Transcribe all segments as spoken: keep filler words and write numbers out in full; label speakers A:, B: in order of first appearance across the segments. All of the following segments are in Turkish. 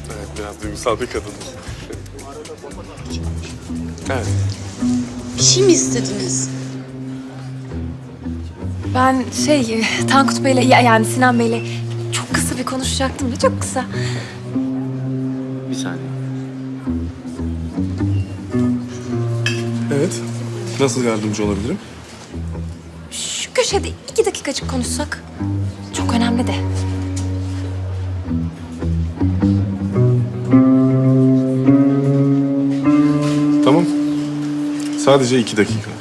A: Evet, biraz duygusal bir kadın. Evet.
B: Bir şey mi istediniz?
C: Ben şey, Tankut Bey'le, ya- yani Sinan Bey'le çok kısa bir konuşacaktım da çok kısa.
D: Bir saniye.
A: Evet. Nasıl yardımcı olabilirim?
C: Şu köşede iki dakikacık konuşsak. Çok önemli de.
A: Tamam. Sadece iki dakika.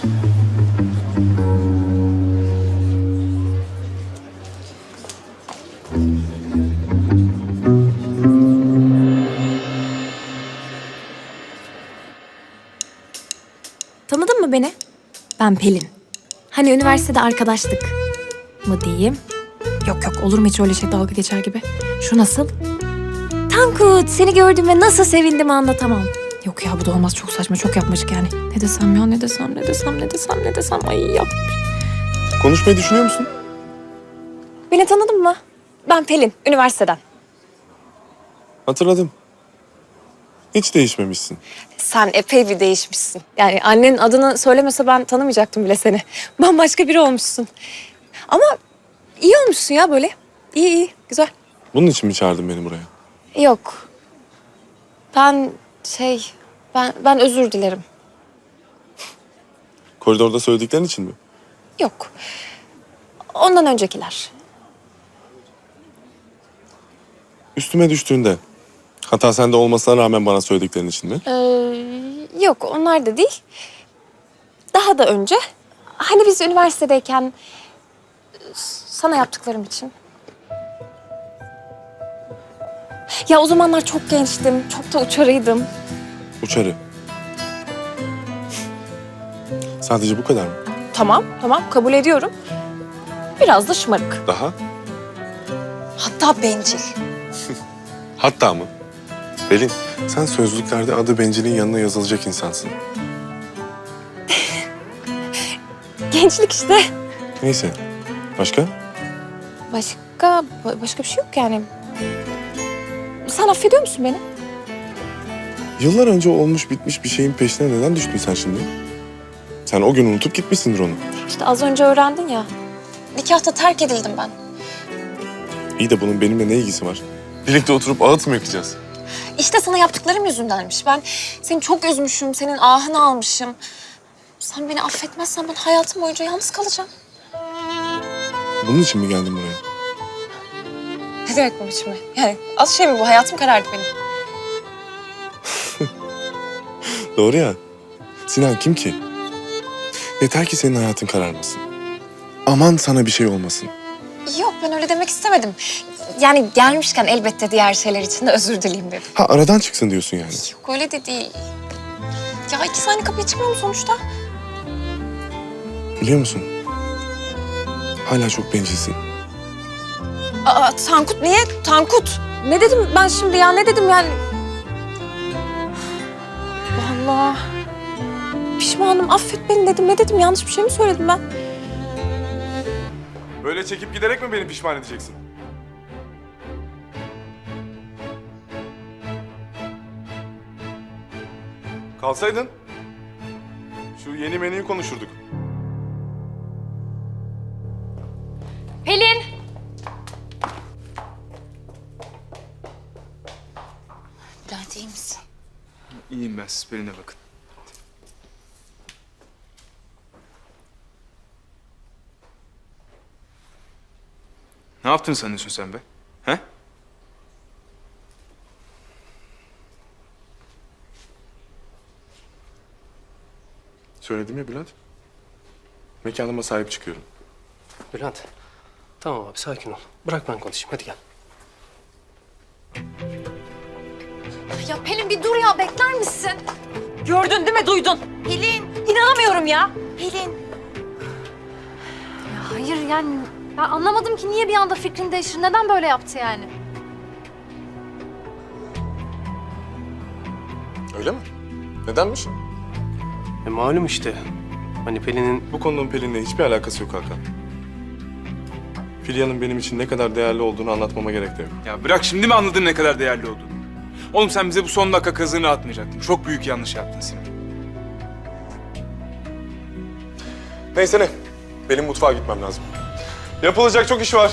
C: Tanıdın mı beni? Ben Pelin. Hani üniversitede arkadaştık mı diyeyim? Yok yok, olur mu hiç öyle şey, dalga geçer gibi. Şu nasıl? Tankut, seni gördüğüme nasıl sevindim anlatamam. Yok ya, bu da olmaz, çok saçma, çok yapmacık yani. Ne desem ya, ne desem, ne desem, ne desem, ne desem. Ay yap.
A: Konuşmayı düşünüyor musun?
C: Beni tanıdın mı? Ben Pelin, üniversiteden.
A: Hatırladım. Hiç değişmemişsin.
C: Sen epey bir değişmişsin. Yani annenin adını söylemese ben tanımayacaktım bile seni. Bambaşka biri olmuşsun. Ama iyi olmuşsun ya böyle. İyi iyi, güzel.
A: Bunun için mi çağırdın beni buraya?
C: Yok. Ben şey, ben ben özür dilerim.
A: Koridorda söylediklerin için mi?
C: Yok. Ondan öncekiler.
A: Üstüme düştüğünde, hata sende olmasına rağmen bana söylediklerin için mi?
C: Ee, yok, onlar da değil. Daha da önce. Hani biz üniversitedeyken sana yaptıklarım için. Ya o zamanlar çok gençtim, çok da uçarıydım.
A: Uçarı. Sadece bu kadar mı?
C: Tamam, tamam kabul ediyorum. Biraz da şımarık.
A: Daha?
C: Hatta bencil.
A: Hatta mı? Pelin, sen sözlüklerde adı bencilin yanına yazılacak insansın.
C: Gençlik işte.
A: Neyse. Başka?
C: Başka, ba- başka bir şey yok yani. Sen affediyor musun beni?
A: Yıllar önce olmuş bitmiş bir şeyin peşine neden düştün sen şimdi? Sen o gün unutup gitmişsindir onu.
C: İşte az önce öğrendin ya. Nikahta terk edildim ben.
A: İyi de bunun benimle ne ilgisi var? Birlikte oturup ağıt mı yakacağız?
C: İşte sana yaptıklarım yüzündenmiş. Ben seni çok üzmüşüm, senin ahını almışım. Sen beni affetmezsen ben hayatım boyunca yalnız kalacağım.
A: Bunun için mi geldin buraya?
C: Ne demek bu biçimi? Yani az şey mi bu? Hayatım karardı benim.
A: Doğru ya. Sinan kim ki? Yeter ki senin hayatın kararmasın. Aman sana bir şey olmasın.
C: Yok, ben öyle demek istemedim. Yani gelmişken elbette diğer şeyler için de özür dileyim dedim.
A: Ha aradan çıksın diyorsun yani.
C: Yok, öyle de değil. Ya iki saniye kapıya çıkmıyor mu sonuçta?
A: Biliyor musun? Hala çok bencilsin.
C: Aa, Tankut niye? Tankut. Ne dedim ben şimdi ya? Ne dedim yani? Allah. Pişmanım, affet beni dedim. Ne dedim? Yanlış bir şey mi söyledim ben?
A: Böyle çekip giderek mi beni pişman edeceksin? Kalsaydın şu yeni menüyü konuşurduk.
C: Pelin.
B: Bülent iyi misin?
D: İyiyim ben, siz Pelin'e bakın. Ne yaptın sanıyorsun sen be? He?
A: Söyledim ya Bülent. Mekanıma sahip çıkıyorum.
E: Bülent, tamam abi sakin ol. Bırak ben konuşayım, hadi gel.
C: Ya Pelin bir dur ya, bekler misin? Gördün değil mi, duydun? Pelin. İnanamıyorum ya. Pelin.
F: Ya hayır yani ben anlamadım ki niye bir anda fikrini değiştir. Neden böyle yaptı yani?
A: Öyle mi? Nedenmiş?
E: E malum işte. Hani Pelin'in...
A: Bu konunun Pelin'le hiçbir alakası yok Hakan. Filya'nın benim için ne kadar değerli olduğunu anlatmama gerek de yok.
D: Ya bırak, şimdi mi anladın ne kadar değerli olduğunu? Oğlum sen bize bu son dakika kazığını atmayacaktın. Çok büyük yanlış yaptın Sinan.
A: Neyse ne? Benim mutfağa gitmem lazım. Yapılacak çok iş var.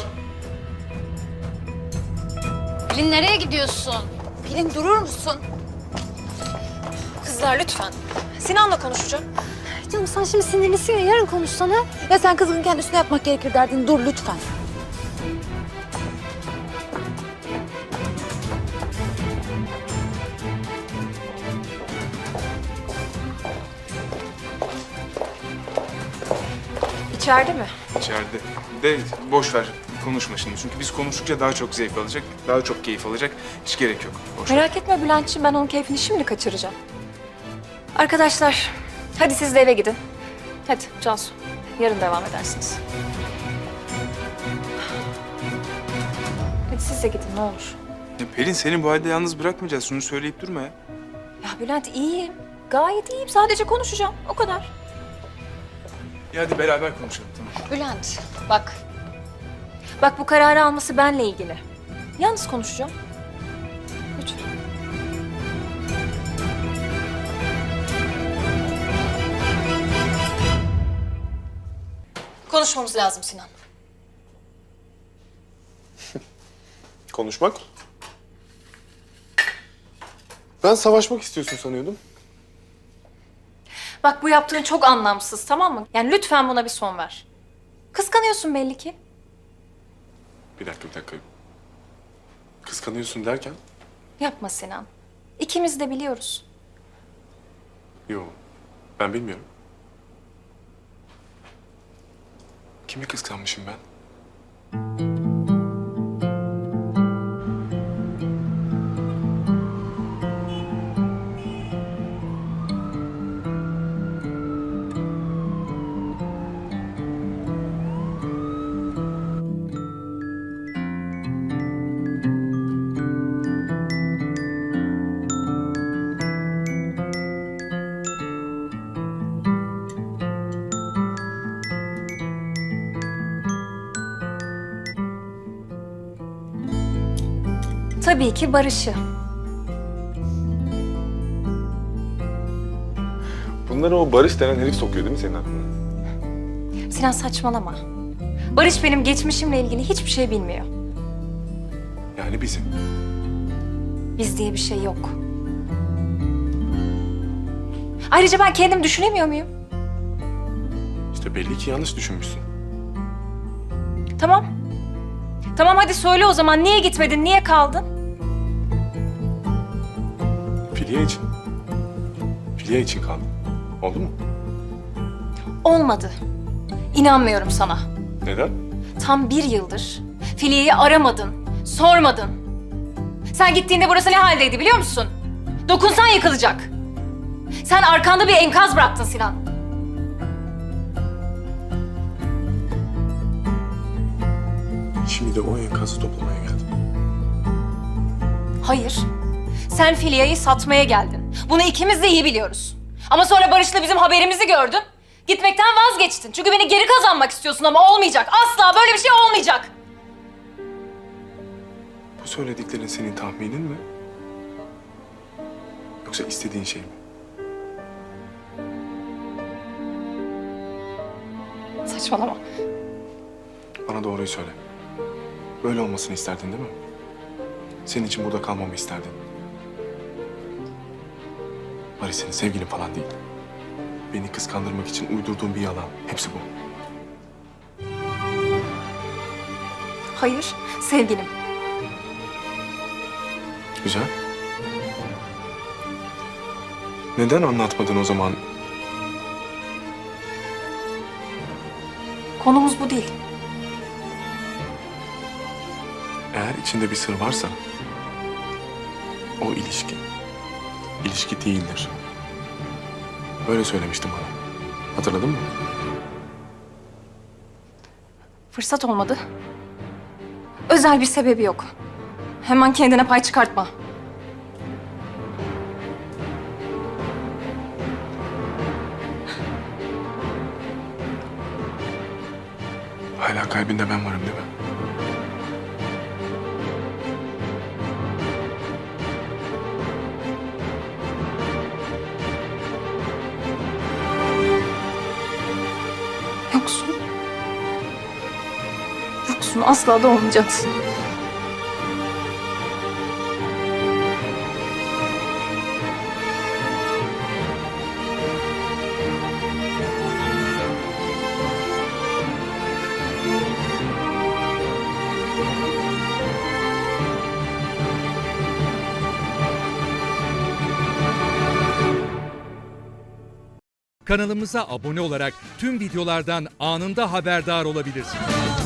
B: Pelin nereye gidiyorsun? Pelin durur musun?
C: Kızlar lütfen. Sinan'la konuşacağım.
F: Canım sen şimdi sinirlisin ya, yarın konuşsana.
B: Ya sen kızın kendisine yapmak gerekir derdin. Dur lütfen.
C: İçeride mi?
D: İçeride. De boş ver. Konuşma şimdi. Çünkü biz konuştukça daha çok zevk alacak, daha çok keyif alacak. Hiç gerek yok. Boş ver.
C: Merak etme Bülent'ciğim, ben onun keyfini şimdi kaçıracağım. Arkadaşlar, hadi siz de eve gidin. Hadi Cansu, yarın devam edersiniz. Hadi siz de gidin ne olur.
D: Ya Pelin seni bu halde yalnız bırakmayacağız. Şunu söyleyip durma ya.
C: Ya Bülent iyiyim, gayet iyiyim. Sadece konuşacağım, o kadar.
D: Ya hadi beraber konuşalım tamam.
B: Bülent bak.
C: Bak bu kararı alması benle ilgili. Yalnız konuşacağım. Lütfen. Konuşmamız lazım Sinan.
A: Konuşmak? Ben savaşmak istiyorsun sanıyordum.
C: Bak bu yaptığın çok anlamsız, tamam mı? Yani lütfen buna bir son ver. Kıskanıyorsun belli ki.
A: Bir dakika, bir dakika. Kıskanıyorsun derken?
C: Yapma Sinan. İkimiz de biliyoruz.
A: Yok, ben bilmiyorum. Kimi kıskanmışım ben?
C: Tabii ki Barış'ı.
A: Bunları o Barış denen herif sokuyor değil mi senin aklına?
C: Sinan saçmalama. Barış benim geçmişimle ilgili hiçbir şey bilmiyor.
A: Yani bizim.
C: Biz diye bir şey yok. Ayrıca ben kendim düşünemiyor muyum?
A: İşte belli ki yanlış düşünmüşsün.
C: Tamam. Tamam hadi söyle o zaman. Niye gitmedin, niye kaldın?
A: Filya için. Filya için kaldım. Oldu mu?
C: Olmadı. İnanmıyorum sana.
A: Neden?
C: Tam bir yıldır Filya'yı aramadın, sormadın. Sen gittiğinde burası ne haldeydi biliyor musun? Dokunsan yıkılacak. Sen arkanda bir enkaz bıraktın Sinan.
A: Şimdi de o enkazı toplamaya geldim.
C: Hayır. Sen Filya'yı satmaya geldin. Bunu ikimiz de iyi biliyoruz. Ama sonra Barış'la bizim haberimizi gördün. Gitmekten vazgeçtin. Çünkü beni geri kazanmak istiyorsun ama olmayacak. Asla böyle bir şey olmayacak.
A: Bu söylediklerin senin tahminin mi? Yoksa istediğin şey mi?
C: Saçmalama.
A: Bana doğruyu söyle. Böyle olmasını isterdin değil mi? Senin için burada kalmamı isterdin. Barış senin sevgilin falan değil. Beni kıskandırmak için uydurduğun bir yalan. Hepsi bu.
C: Hayır, sevgilim.
A: Güzel. Neden anlatmadın o zaman?
C: Konumuz bu değil.
A: Eğer içinde bir sır varsa o ilişki, ilişki değildir. Böyle söylemiştin bana. Hatırladın mı?
C: Fırsat olmadı. Özel bir sebebi yok. Hemen kendine pay çıkartma.
A: Hala kalbinde ben varım değil mi?
C: yoksun. Yoksun, asla da olmayacaksın.
G: Kanalımıza abone olarak tüm videolardan anında haberdar olabilirsiniz.